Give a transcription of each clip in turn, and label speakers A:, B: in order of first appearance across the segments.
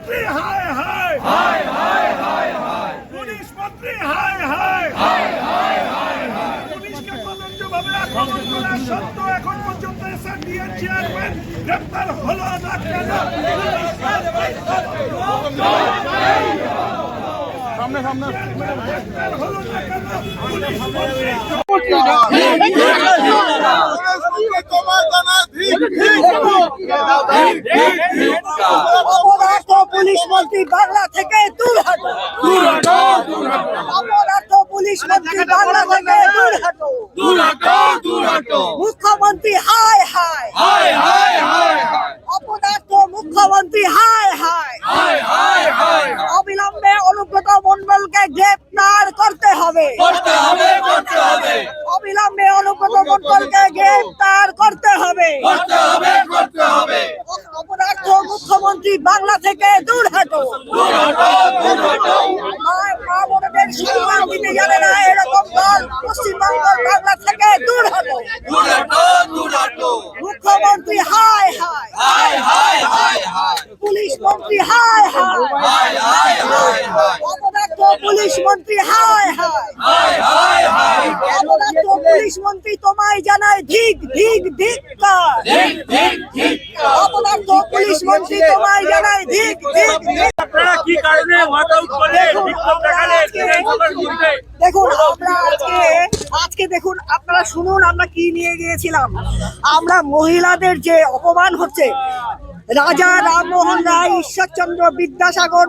A: मंत्री हाय हाय हाय हाय हाय हाय पुलिस मंत्री हाय हाय हाय हाय हाय हाय पुलिस के तदন্ত ভাবে আক্রমণ করা সত্ত্বেও এখন পর্যন্ত এসএনডিএর চেয়ারম্যান গ্রেফতার হলো না কেন? সামনে সামনে গ্রেফতার হলো না কেন? পুলিশ মন্ত্রী
B: অপরাধ পুলিশ মন্ত্রী বাংলা থেকে দূর হটো, অপরাধ পুলিশ মন্ত্রী বাংলা থেকে দূর হটো, মুখ্যমন্ত্রী হায় হায়
A: হায় হায় হায়
B: অপরাধ মুখ্যমন্ত্রী হায় হায়
A: হায় হায় হায়
B: অবিলম্বে অনুব্রত মণ্ডলকে গ্রেপ্তার করতে হবে, অবিলম্বে অনুব্রত মণ্ডলকে গ্রেপ্তার করতে হবে। অপরাধ মুখ্যমন্ত্রী বাংলা থেকে দূর হটো, মা বোনদের সম্মান দিতে জানে না এরকম দল পশ্চিমবঙ্গের বাংলা থেকে দূর হটো। মুখ্যমন্ত্রী হায় হায় পুলিশ মন্ত্রী হায় হায় অপরাধ পুলিশ মন্ত্রী হায় হায় অপরাধ পুলিশ মন্ত্রী তোমায় জানায় ধিক ধিক ধিক্কার, অপরাধ পুলিশ মন্ত্রী তোমায় জানায় ধিক ধিক ধিক্কার।
A: আপনারা কি কারণে ওয়াকআউট করলে বিক্ষোভ দেখালে বিধানসভার বিরুদ্ধে?
B: দেখুন আমরা আজকে দেখুন আপনারা শুনুন আমরা কি নিয়ে গিয়েছিলাম। আমরা মহিলাদের যে অপমান হচ্ছে, রাজা রামমোহন রায়, ঈশ্বরচন্দ্র বিদ্যাসাগর,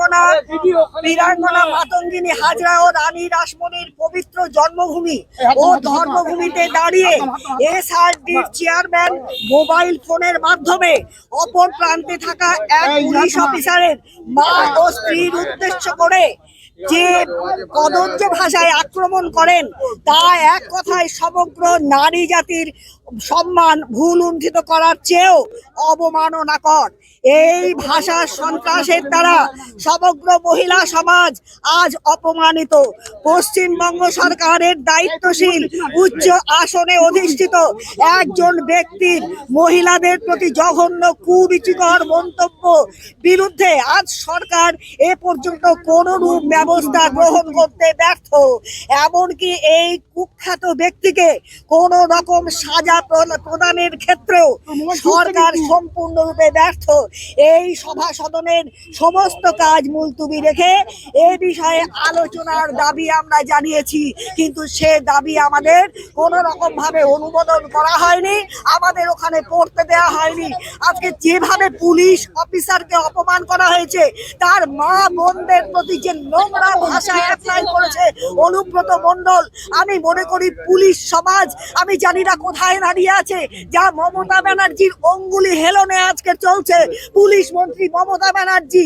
B: বীরাঙ্গনা মাতঙ্গিনী হাজরা ও রানী রাসমণির পবিত্র জন্মভূমি ও ধর্মভূমিতে দাঁড়িয়ে এসআরডির চেয়ারম্যান মোবাইল ফোনের মাধ্যমে অপর প্রান্তে থাকা এক পুলিশ অফিসারের মা ও স্ত্রীর উদ্দেশ্য করে যে কদর্য ভাষায় আক্রমণ করেন, তা এক কথায় সমগ্র নারী জাতির সম্মান ভুলুণ্ঠিত করার চেয়েও অবমাননাকর। এই ভাষা সন্ত্রাসের দ্বারা সমগ্র মহিলা সমাজ আজ অপমানিত। পশ্চিমবঙ্গ সরকারের দায়িত্বশীল উচ্চ আসনে অধিষ্ঠিত একজন ব্যক্তির মহিলাদের প্রতি জঘন্য কুরুচিকর মন্তব্য বিরুদ্ধে আজ সরকার এ পর্যন্ত কোনরূপ ব্যবস্থা গ্রহণ করতে ব্যর্থ। এমনকি এই কুখ্যাত ব্যক্তিকে কোন রকম সাজা প্রদানের ক্ষেত্রেও সরকার সম্পূর্ণরূপে ব্যর্থ। এই সভা সদনের সমস্ত কাজ মুলতুবি রেখে এ বিষয়ে আলোচনার দাবি আমরা জানিয়েছি, কিন্তু সে দাবি আমাদের কোন রকম ভাবে অনুমোদন করা হয়নি, আমাদের ওখানে পড়তে দেওয়া হয়নি। আজকে যেভাবে পুলিশ অফিসারকে অপমান করা হয়েছে, তার মা বোনদের প্রতি যে নোংরা ভাষা অ্যাপ্লাই করেছে অনুব্রত মণ্ডল, আমি মনে করি পুলিশ সমাজ আমি জানি না কোথায় দাঁড়িয়ে আছে, যা মমতা ব্যানার্জির অঙ্গুলি হেলনে আজকে চলছে। পুলিশ মন্ত্রী মমতা ব্যানার্জি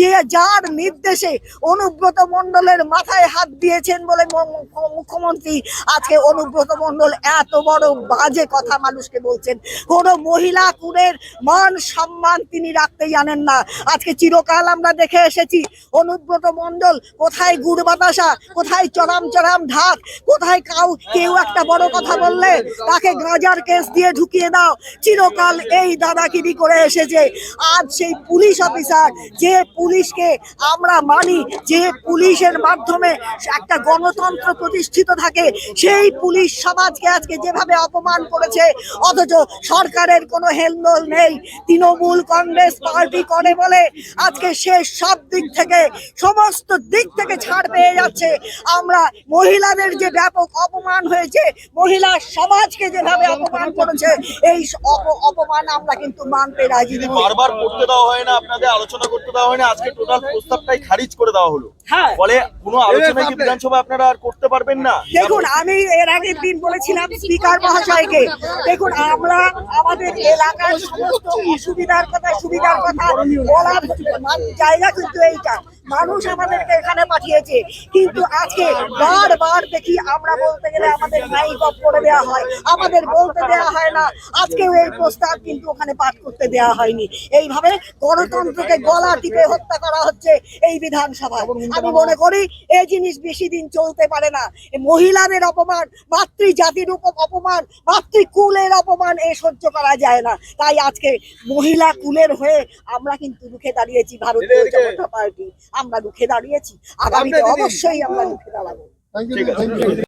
B: যার নির্দেশে অনুব্রত মণ্ডলের মাথায় হাত দিয়েছেন বলে মুখ্যমন্ত্রী আজকে অনুব্রত মণ্ডল এত বড় বাজে কথা মানুষকে বলছেন। কোন মহিলা কুলের মান সম্মান তিনি রাখতে জানেন না। আজকে চিরকাল আমরা দেখে এসেছি অনুব্রত মণ্ডল কোথায় গুড় বাতাসা, কোথায় চরাম চরাম ঢাক, কোথায় কেউ একটা বড় কথা বললে তাকে গাঁজার কেস দিয়ে ঢুকিয়ে দাও। চিরকাল এই দাদাগিরি করে এসেছে। আজ সেই পুলিশ অফিসার, যে পুলিশকে আমরা মানি, যে পুলিশের মাধ্যমে একটা গণতন্ত্র প্রতিষ্ঠিত থাকে, সেই পুলিশ সমাজকে আজকে যেভাবে অপমান করেছে, অথচ সরকারের কোনো হেলদোল নেই। তৃণমূল কংগ্রেস পার্টি করে বলে আজকে সে সব দিক থেকে সমস্ত দিক থেকে ছাড় পেয়ে যাচ্ছে। আমরা মহিলাদের যে ব্যাপক অপমান হয়েছে, মহিলা সমাজকে যেভাবে অপমান করেছে, এই অপমান আমরা কিন্তু মানতে রাজি নই।
C: বারবার করতে দেওয়া হয় না, আপনাদের আলোচনা করতে দেওয়া হয় না, আজকে টোটাল প্রস্তাবটাই খারিজ করে দেওয়া হলো। ফলে কোনো আলোচনা কি বিধানসভা আপনারা আর করতে পারবেন না?
B: দেখুন আমি এর আগের দিন বলেছিলাম স্পিকার মহাশয়কে, দেখুন আমরা আমাদের এলাকার সমস্ত সুবিধার কথা বলার জায়গা কিন্তু এইটা, মানুষ আমাদেরকে এখানে পাঠিয়েছে, কিন্তু আজকে বারবার দেখি আমরা বলতে গেলে আমাদের মাইক অফ করে দেওয়া হয়, আমাদের বলতে দেওয়া হয় না। আজকেও এই প্রস্তাব কিন্তু ওখানে পাঠ করতে দেওয়া হয়নি। এইভাবে গণতন্ত্রকে গলা টিপে হত্যা করা হচ্ছে এই বিধানসভা। আমি মনে করি এই জিনিস বেশি দিন চলতে পারে না। মহিলাদের অপমান, মাতৃজাতির অপমান, মাতৃকুলের অপমান এ সহ্য করা যায় না। তাই আজকে মহিলা কুলের হয়ে আমরা কিন্তু রুখে দাঁড়িয়েছি, ভারতীয় জনতা পার্টি আমরা রুখে দাঁড়িয়েছি, আগামীতে অবশ্যই আমরা রুখে দাঁড়াবো।
C: ঠিক আছে।